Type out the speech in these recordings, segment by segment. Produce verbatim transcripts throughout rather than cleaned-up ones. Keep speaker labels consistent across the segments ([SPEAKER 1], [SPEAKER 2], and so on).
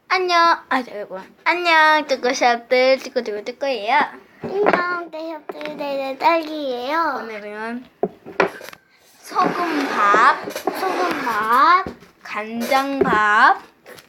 [SPEAKER 1] 안녕. 아, 잠깐만. 안녕. 뚜꾸샵들 뚜꾸뚜꾸 뚜꾸예요.
[SPEAKER 2] 안녕, 대협들 네네 딸기예요.
[SPEAKER 1] 오늘은 소금밥,
[SPEAKER 2] 소금밥,
[SPEAKER 1] 간장밥,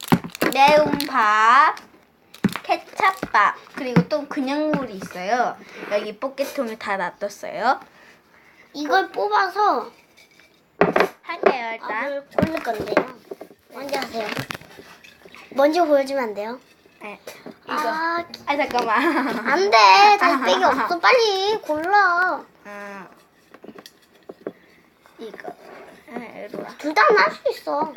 [SPEAKER 1] 매운밥, 케찹밥, 그리고 또 그냥 물이 있어요. 여기 포켓통에 다 놔뒀어요.
[SPEAKER 2] 이걸 뽑아서
[SPEAKER 1] 할게요, 일단.
[SPEAKER 2] 밥을 올릴 건데요. 먼저 하세요. 먼저 보여주면 안 돼요?
[SPEAKER 1] 네, 이거.
[SPEAKER 2] 아,
[SPEAKER 1] 아, 잠깐만.
[SPEAKER 2] 안 돼. 달빼기 없어. 빨리 골라.
[SPEAKER 1] 아, 이거. 아, 이리 와.
[SPEAKER 2] 둘 다 할 수 있어.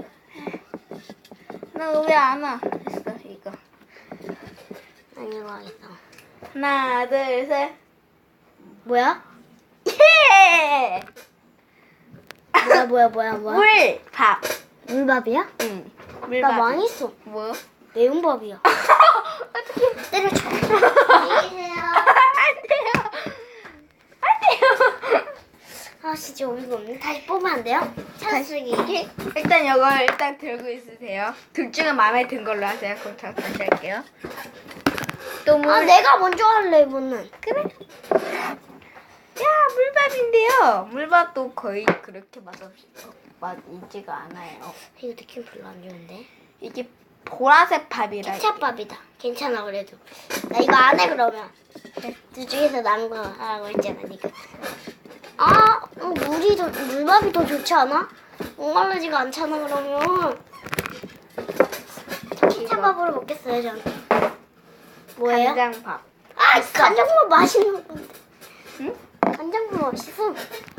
[SPEAKER 1] 나 왜 안 와? 됐어, 이거.
[SPEAKER 2] 아니, 이거 하겠다.
[SPEAKER 1] 하나, 둘, 셋.
[SPEAKER 2] 뭐야?
[SPEAKER 1] 예!
[SPEAKER 2] 뭐야, 뭐야, 뭐야, 뭐야?
[SPEAKER 1] 물, 밥.
[SPEAKER 2] 물밥이야?
[SPEAKER 1] 응.
[SPEAKER 2] 나
[SPEAKER 1] 물밥.
[SPEAKER 2] 망했어.
[SPEAKER 1] 뭐?
[SPEAKER 2] 매운밥이야.
[SPEAKER 1] 어떻게?
[SPEAKER 2] 때려쳐. 안녕히 계세요.
[SPEAKER 1] 안 돼요. 안 돼요.
[SPEAKER 2] 아, 진짜 어이가 없네. 다시 뽑으면 안 돼요? 찬스기.
[SPEAKER 1] 일단 이걸 일단 들고 있으세요. 둘 중에 마음에 든 걸로 하세요. 그럼 저 다시 할게요. 또 물.
[SPEAKER 2] 아, 내가 먼저 할래, 이번엔.
[SPEAKER 1] 그래. 야, 물밥인데요. 물밥도 거의 그렇게 맛없이 맛있지가 않아요.
[SPEAKER 2] 이거 느낌 별로 안 좋은데?
[SPEAKER 1] 이게 보라색 밥이라.
[SPEAKER 2] 케찹밥이다. 괜찮아, 그래도. 나 이거 안 해, 그러면. 둘 중에서 나은 거 하라고 했잖아, 니가. 아, 어, 물이 더, 물밥이 더 좋지 않아? 목마르지가 않잖아, 그러면. 케찹밥으로 먹겠어요, 전. 뭐예요?
[SPEAKER 1] 간장밥.
[SPEAKER 2] 아, 간장밥 맛있는 건데.
[SPEAKER 1] 응?
[SPEAKER 2] 간장밥 맛있어.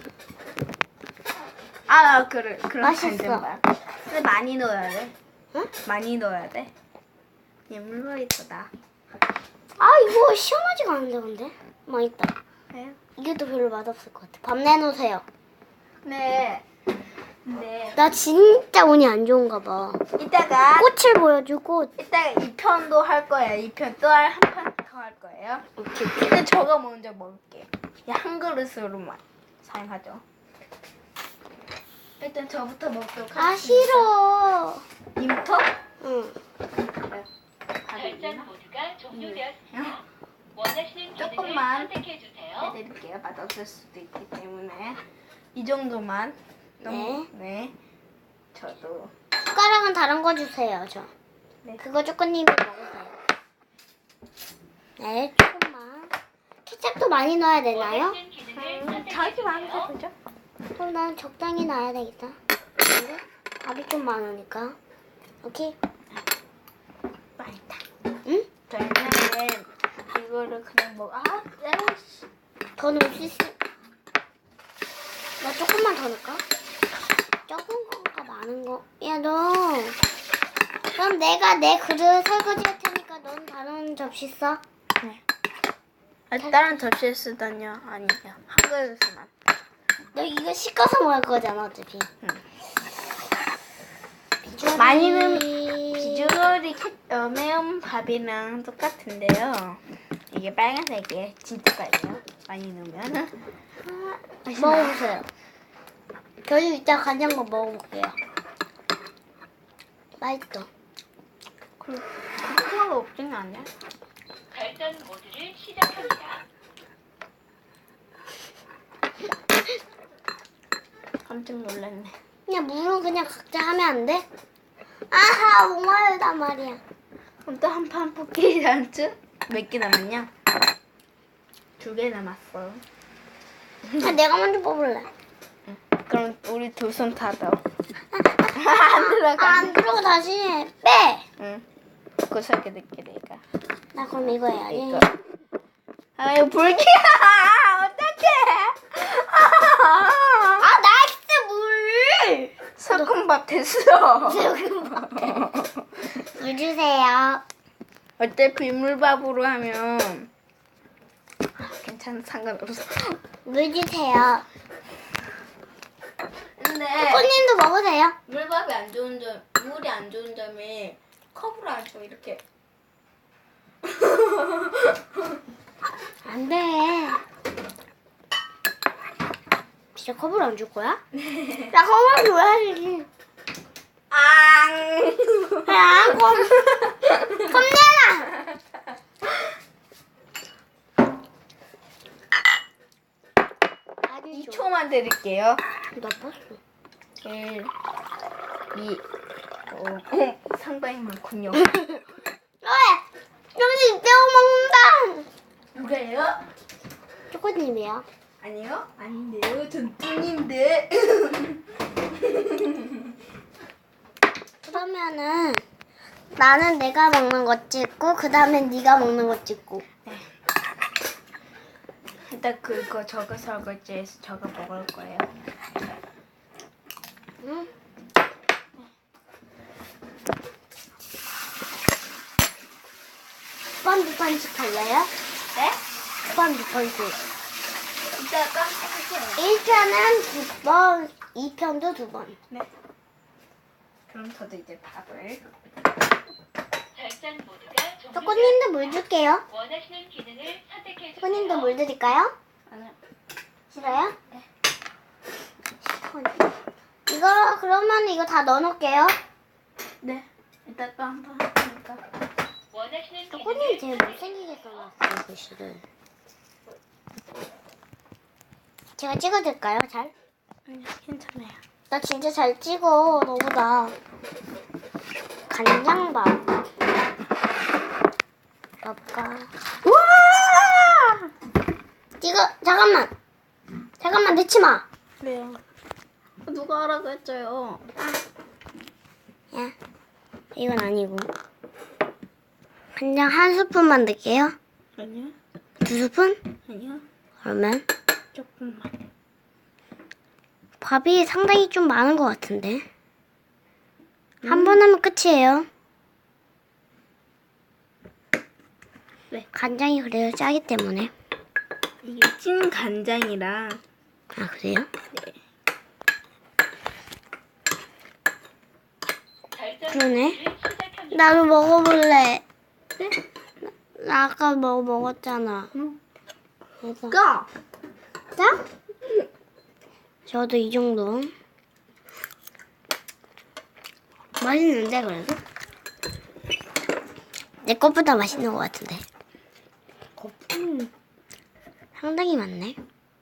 [SPEAKER 1] 아, 그래. 그럼
[SPEAKER 2] 맛있어.
[SPEAKER 1] 간장밥. 근데 많이 넣어야 돼.
[SPEAKER 2] 응?
[SPEAKER 1] 많이 넣어야 돼. 얘 물밥이 거다.
[SPEAKER 2] 아, 이거 시원하지가 않은데, 근데? 맛있다.
[SPEAKER 1] 그래요?
[SPEAKER 2] 이것도 별로 맛없을 것 같아. 밥 내놓으세요.
[SPEAKER 1] 네. 네.
[SPEAKER 2] 나 진짜 운이 안 좋은가 봐.
[SPEAKER 1] 이따가
[SPEAKER 2] 꽃을 보여주고.
[SPEAKER 1] 이따가 이 편도 할 거예요. 이 편 또 한 판 더 할 거예요.
[SPEAKER 2] 오케이.
[SPEAKER 1] 근데 저가 먼저 먹을게요. 이 한 그릇으로만 사용하죠. 일단 저부터 먹도록
[SPEAKER 2] 아,
[SPEAKER 1] 하겠습니다.
[SPEAKER 2] 싫어.
[SPEAKER 1] 님부터?
[SPEAKER 2] 응.
[SPEAKER 3] 결전 모드가 종료되었습니다. 원하시는
[SPEAKER 1] 조금만
[SPEAKER 3] 기능을 선택해 주세요.
[SPEAKER 1] 해드릴게요. 맛없을 수도 있기 때문에 이 정도만. 너무- 네. 저도.
[SPEAKER 2] 숟가락은 다른 거 주세요, 저.
[SPEAKER 1] 네.
[SPEAKER 2] 그거 조건님이 먹으세요. 네, 조금만. 케첩도 많이 넣어야 되나요?
[SPEAKER 3] 원하시는 기능을
[SPEAKER 1] 음,
[SPEAKER 3] 선택해
[SPEAKER 1] 자기 마음대로
[SPEAKER 3] 주세요.
[SPEAKER 1] 보죠.
[SPEAKER 2] 그럼 난 적당히 넣어야 되겠다. 근데 밥이 좀 많으니까. 오케이.
[SPEAKER 1] 맛있다.
[SPEAKER 2] 응?
[SPEAKER 1] 저희는 이거를 그냥 먹. 아, 에이씨.
[SPEAKER 2] 더 넣을 수 있어. 나 조금만 더 넣을까? 적은 건가 많은 거? 야, 너. 그럼 내가 내 그릇 설거지 할 테니까 넌 다른 접시 써.
[SPEAKER 1] 네. 아, 다른 접시에 쓰다뇨? 아니요. 한 그릇만.
[SPEAKER 2] 너 이거 씻어서 먹을 거잖아, 어차피.
[SPEAKER 1] 응.
[SPEAKER 2] 비주얼이...
[SPEAKER 1] 많이 넣으면 비주얼이 캐- 어, 매운 밥이랑 똑같은데요. 이게 빨간색이에요. 진짜예요. 많이 넣으면.
[SPEAKER 2] 먹어보세요. 저도 이따 간장밥 먹어볼게요. 맛있어.
[SPEAKER 1] 그 그거 없진 않냐?
[SPEAKER 3] 결전 모드를 시작합니다.
[SPEAKER 1] 깜짝 놀랐네.
[SPEAKER 2] 그냥 물은 그냥 각자 하면 안 돼? 아하, 목마르단 말이야.
[SPEAKER 1] 그럼 또 한 판 뽑기 않죠? 몇 개 남았냐? 두 개 남았어.
[SPEAKER 2] 아, 내가 먼저 뽑을래.
[SPEAKER 1] 그럼 우리 두 손 다 넣어.
[SPEAKER 2] 안
[SPEAKER 1] 안 들어가.
[SPEAKER 2] 안 들어가 다시 해. 빼.
[SPEAKER 1] 응. 구석에 넣게 내가.
[SPEAKER 2] 나 그럼 이거 해야지.
[SPEAKER 1] 이거. 아, 이거 불기야! 어떡해!
[SPEAKER 2] 아, 나이스 물.
[SPEAKER 1] 소금밥 됐어.
[SPEAKER 2] 물 주세요.
[SPEAKER 1] 어차피 물밥으로 하면 괜찮아, 상관없어.
[SPEAKER 2] 물 주세요.
[SPEAKER 1] 근데
[SPEAKER 2] 꽃님도 먹으세요.
[SPEAKER 1] 물밥이 안 좋은 점, 물이 안 좋은 점이 컵으로 안 줘, 이렇게.
[SPEAKER 2] 안 돼. 진짜 컵을 안 줄 거야? 나 컵을 줘야지.
[SPEAKER 1] 앙!
[SPEAKER 2] 야, 컵.
[SPEAKER 1] 세어드릴게요.
[SPEAKER 2] 나빴어.
[SPEAKER 1] 일, 이, 오, 오, 상당히 많군요.
[SPEAKER 2] 왜? 정신 빼먹는다.
[SPEAKER 1] 누가요?
[SPEAKER 2] 초코님이요.
[SPEAKER 1] 아니요? 아닌데요. 전 뚱인데.
[SPEAKER 2] 그러면은 나는 내가 먹는 거 찍고 그 다음에 네가 먹는 거 찍고.
[SPEAKER 1] 일단 그거 저거 설거지해서 저거 먹을 거예요.
[SPEAKER 2] 응? 두 번 두 번씩 할래요?
[SPEAKER 1] 네?
[SPEAKER 2] 두 번 두 번씩.
[SPEAKER 1] 이따가 할게요.
[SPEAKER 2] 일 편은 두 번, 이 편도 두 번.
[SPEAKER 1] 네. 그럼 저도 이제 밥을.
[SPEAKER 3] 별장 모드가 종료되었습니다.
[SPEAKER 2] 초코님도 물 줄게요.
[SPEAKER 3] 원하시는 기능을 선택해 주세요.
[SPEAKER 2] 초코님도 물 드릴까요?
[SPEAKER 1] 아니요.
[SPEAKER 2] 싫어요? 네. 이거 그러면 이거 다 넣어놓을게요.
[SPEAKER 1] 네. 이따가 한번 할 테니까.
[SPEAKER 3] 원하시는
[SPEAKER 2] 초코님
[SPEAKER 3] 기능을
[SPEAKER 2] 제일 못생기게 써놨어요, 글씨를. 제가 찍어줄까요, 잘?
[SPEAKER 1] 아니요, 괜찮아요.
[SPEAKER 2] 나 진짜 잘 찍어, 너보다. 간장밥. 밥과.
[SPEAKER 1] 우와!
[SPEAKER 2] 찍어, 잠깐만. 잠깐만, 넣지 마.
[SPEAKER 1] 왜요? 누가 하라고 했어요?
[SPEAKER 2] 야, 이건 아니고. 간장 한 스푼만 넣을게요.
[SPEAKER 1] 아니요.
[SPEAKER 2] 두 스푼?
[SPEAKER 1] 아니요.
[SPEAKER 2] 그러면
[SPEAKER 1] 조금만.
[SPEAKER 2] 밥이 상당히 좀 많은 것 같은데. 한 번 하면 끝이에요.
[SPEAKER 1] 네.
[SPEAKER 2] 간장이 그래요, 짜기 때문에.
[SPEAKER 1] 이게 찐 간장이라.
[SPEAKER 2] 아, 그래요?
[SPEAKER 1] 네.
[SPEAKER 3] 별장
[SPEAKER 2] 그러네.
[SPEAKER 3] 모드를 시작합니다.
[SPEAKER 2] 나도 먹어볼래.
[SPEAKER 1] 네?
[SPEAKER 2] 나 아까 뭐 먹었잖아.
[SPEAKER 1] 응.
[SPEAKER 2] 그래서.
[SPEAKER 1] 까!
[SPEAKER 2] 짜? 저도 이 정도. 맛있는데, 그래도? 내 것보다 맛있는 것 같은데.
[SPEAKER 1] 음.
[SPEAKER 2] 상당히 많네.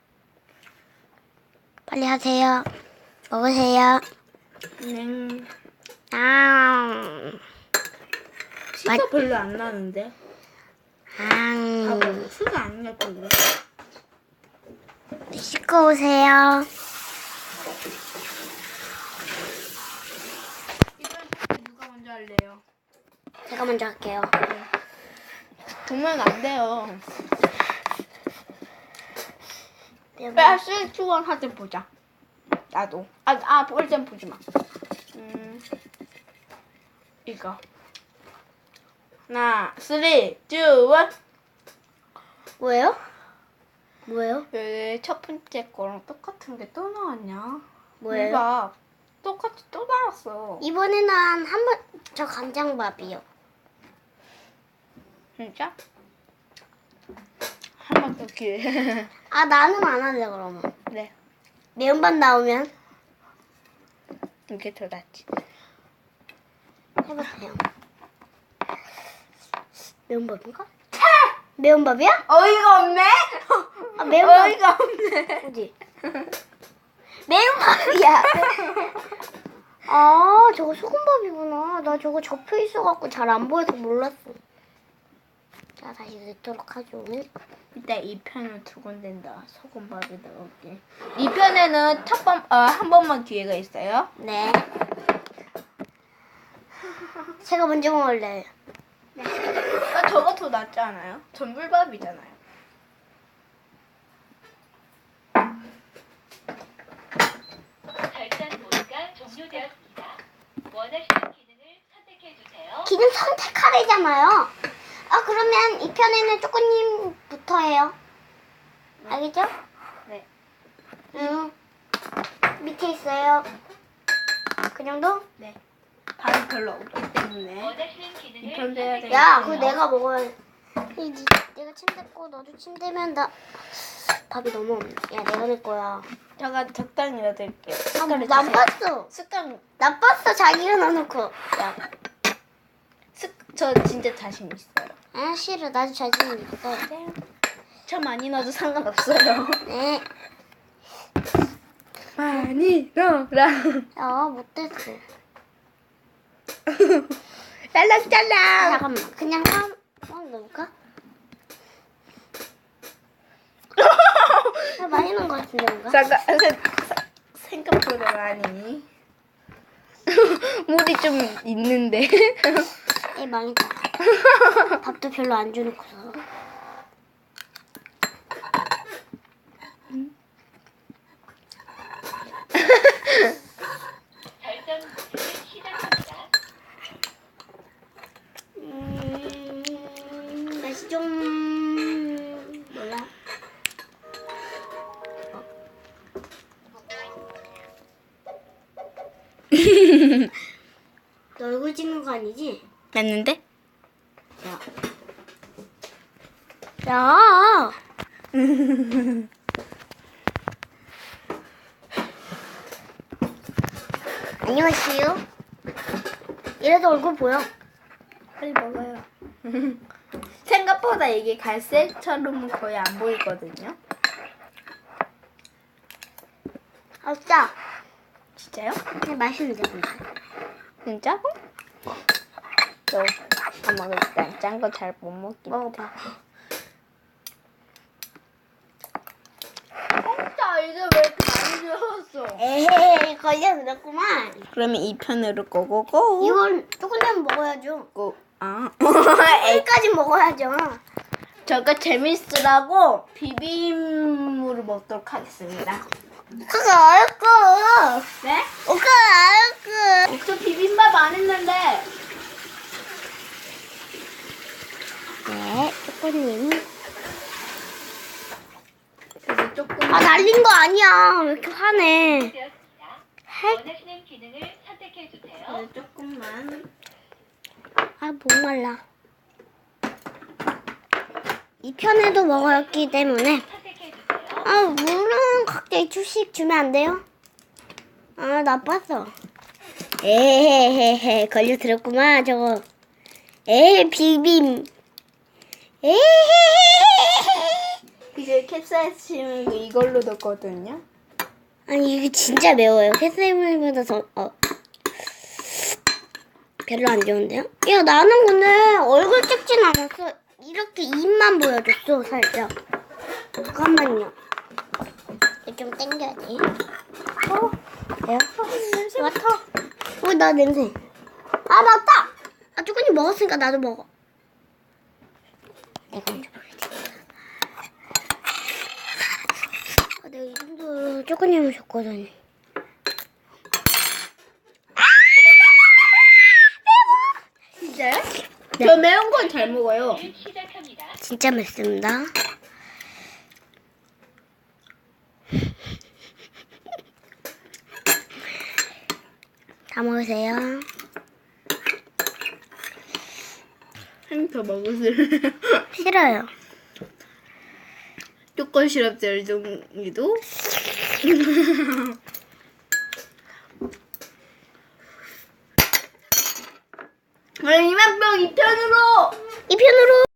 [SPEAKER 2] 빨리 하세요. 먹으세요.
[SPEAKER 1] 네.
[SPEAKER 2] 아,
[SPEAKER 1] 시가
[SPEAKER 2] 맛-
[SPEAKER 1] 별로 안 나는데.
[SPEAKER 2] 아,
[SPEAKER 1] 봐봐. 수가 안 나, 별로.
[SPEAKER 2] 씻고 오세요.
[SPEAKER 1] 이번 누가 먼저 할래요?
[SPEAKER 2] 제가 먼저 할게요.
[SPEAKER 1] 정말 안 돼요.
[SPEAKER 2] 매운
[SPEAKER 1] 야, 실주원 하든 보자. 나도. 아, 아, 볼땐 보지 마. 음, 이거. 하나, 쓰리, 투, 원.
[SPEAKER 2] 뭐예요? 뭐예요?
[SPEAKER 1] 왜 첫 번째 거랑 똑같은 게 또 나왔냐?
[SPEAKER 2] 뭐예요?
[SPEAKER 1] 대박. 똑같이 또 나왔어.
[SPEAKER 2] 이번에는 한 번, 저 간장밥이요.
[SPEAKER 1] 진짜? 한 번 더 기회.
[SPEAKER 2] 아, 나는 안 할래, 그러면.
[SPEAKER 1] 네.
[SPEAKER 2] 매운밥 나오면
[SPEAKER 1] 이게 더 낫지.
[SPEAKER 2] 해보세요. 매운밥인가? 매운밥이야?
[SPEAKER 1] 어이가 없네?
[SPEAKER 2] 아, 매운밥.
[SPEAKER 1] 어이가 없네.
[SPEAKER 2] 어디? 매운밥이야. 아, 저거 소금밥이구나. 나 저거 접혀 있어갖고 잘 안 보여서 몰랐어. 자, 다시 넣도록 하죠.
[SPEAKER 1] 이따 이 편을 두 군데다 소금밥에 넣을게. 이 편에는 첫 번, 어, 한 번만 기회가 있어요.
[SPEAKER 2] 네. 제가 먼저 먹을래요.
[SPEAKER 1] 아, 저거 더 낫지 않아요? 전불밥이잖아요.
[SPEAKER 3] 별장 모드가 종료되었습니다. 원하시는 기능을 선택해 주세요.
[SPEAKER 2] 기능 선택하래잖아요. 아, 그러면 이 편에는 쪼꼬님부터 해요. 알겠죠?
[SPEAKER 1] 네.
[SPEAKER 2] 응. 밑에 있어요. 그 정도?
[SPEAKER 1] 네. 밥이 별로 없기 때문에.
[SPEAKER 3] 원하시는 기능을
[SPEAKER 1] 이 편도 해야
[SPEAKER 3] 선택해
[SPEAKER 1] 돼요.
[SPEAKER 2] 야, 그거 내가 먹어야 돼. 이, 니, 내가 침대고 너도 침대면 나 밥이 너무 없네. 야, 내가 낼 거야.
[SPEAKER 1] 제가 적당히 넣어드릴게요.
[SPEAKER 2] 아,
[SPEAKER 1] 숟갈을 주세요.
[SPEAKER 2] 나빴어.
[SPEAKER 1] 숟갈,
[SPEAKER 2] 나빴어, 자기가 넣어놓고.
[SPEAKER 1] 야. 숟, 저 진짜 자신 있어요.
[SPEAKER 2] 아, 싫어. 나도 자신 있어.
[SPEAKER 1] 네. 저 많이 넣어도 상관없어요.
[SPEAKER 2] 네.
[SPEAKER 1] 많이 넣어라.
[SPEAKER 2] 야, 못됐어.
[SPEAKER 1] 짤랑짤랑.
[SPEAKER 2] 잠깐만, 그냥 한, 한 넣을까? 야, 많이 넣은 것 같은데, 뭔가?
[SPEAKER 1] 잠깐, 세- 생각보다 많이. 물이 좀 있는데.
[SPEAKER 2] 에, 망했다. 밥도 별로 안 주놓고서.
[SPEAKER 3] 결정 버튼을 시작합니다.
[SPEAKER 2] 음, 맛이 좀, 몰라. 너 얼굴 찍는 거 아니지?
[SPEAKER 1] 맞는데?
[SPEAKER 2] 야. 야! 안녕하세요. 이래도 얼굴 보여.
[SPEAKER 1] 빨리 먹어요. 생각보다 이게 갈색처럼 거의 안 보이거든요.
[SPEAKER 2] 아, 짜.
[SPEAKER 1] 진짜요?
[SPEAKER 2] 근데 맛있는데, 근데.
[SPEAKER 1] 진짜? 저 엄마 일단 짠 거 잘 못 먹기.
[SPEAKER 2] 먹어봐.
[SPEAKER 1] 진짜 이제 왜 이렇게 많이 들었어?
[SPEAKER 2] 에헤이, 걸려 들었구만.
[SPEAKER 1] 그러면 이 편으로 고고고.
[SPEAKER 2] 이건 조금만 먹어야죠.
[SPEAKER 1] 고. 아.
[SPEAKER 2] 여기까지 먹어야죠.
[SPEAKER 1] 저거 재밌으라고 비빔물을 먹도록 하겠습니다.
[SPEAKER 2] 그거 알고.
[SPEAKER 1] 네?
[SPEAKER 2] 그거 알고.
[SPEAKER 1] 저 비빔밥 안 했는데.
[SPEAKER 2] 네, 초코님.
[SPEAKER 1] 저거 조금.
[SPEAKER 2] 아, 날린 거 아니야. 왜 이렇게 화내.
[SPEAKER 3] 되었습니다.
[SPEAKER 2] 할,
[SPEAKER 3] 원하시는 기능을 선택해 주세요.
[SPEAKER 1] 네, 조금만.
[SPEAKER 2] 아, 목말라. 이 편에도 먹었기 때문에.
[SPEAKER 3] 선택해 주세요.
[SPEAKER 2] 아, 물은 각자 주씩 주면 안 돼요? 아, 나빴어. 에헤헤헤, 걸려들었구만, 저거. 에헤, 비빔. 에헤헤헤.
[SPEAKER 1] 이제 캡사이신 이걸로 넣거든요.
[SPEAKER 2] 아니, 이게 진짜 매워요. 햇살물보다 더, 어. 별로 안 좋은데요? 야, 나는 근데 얼굴 찍진 않았어. 이렇게 입만 보여줬어, 살짝. 잠깐만요. 이거 좀 땡겨야 돼. 어? 내가? 냄새 맡아. 어, 나 냄새. 아, 맞다! 아, 쪼꾸님 먹었으니까 나도 먹어. 내가 먼저 먹어야지. 아, 내가 이 정도로 쪼꾸님을 줬거든.
[SPEAKER 1] 진짜요?
[SPEAKER 2] 네.
[SPEAKER 1] 저 매운 건 잘 먹어요.
[SPEAKER 3] 시작합니다.
[SPEAKER 2] 진짜 맵습니다. 다 먹으세요.
[SPEAKER 1] 한 더 먹으세요.
[SPEAKER 2] 싫어요.
[SPEAKER 1] 조건 시럽 젤종이도. 그럼 이만 병 이 편으로.
[SPEAKER 2] 이 편으로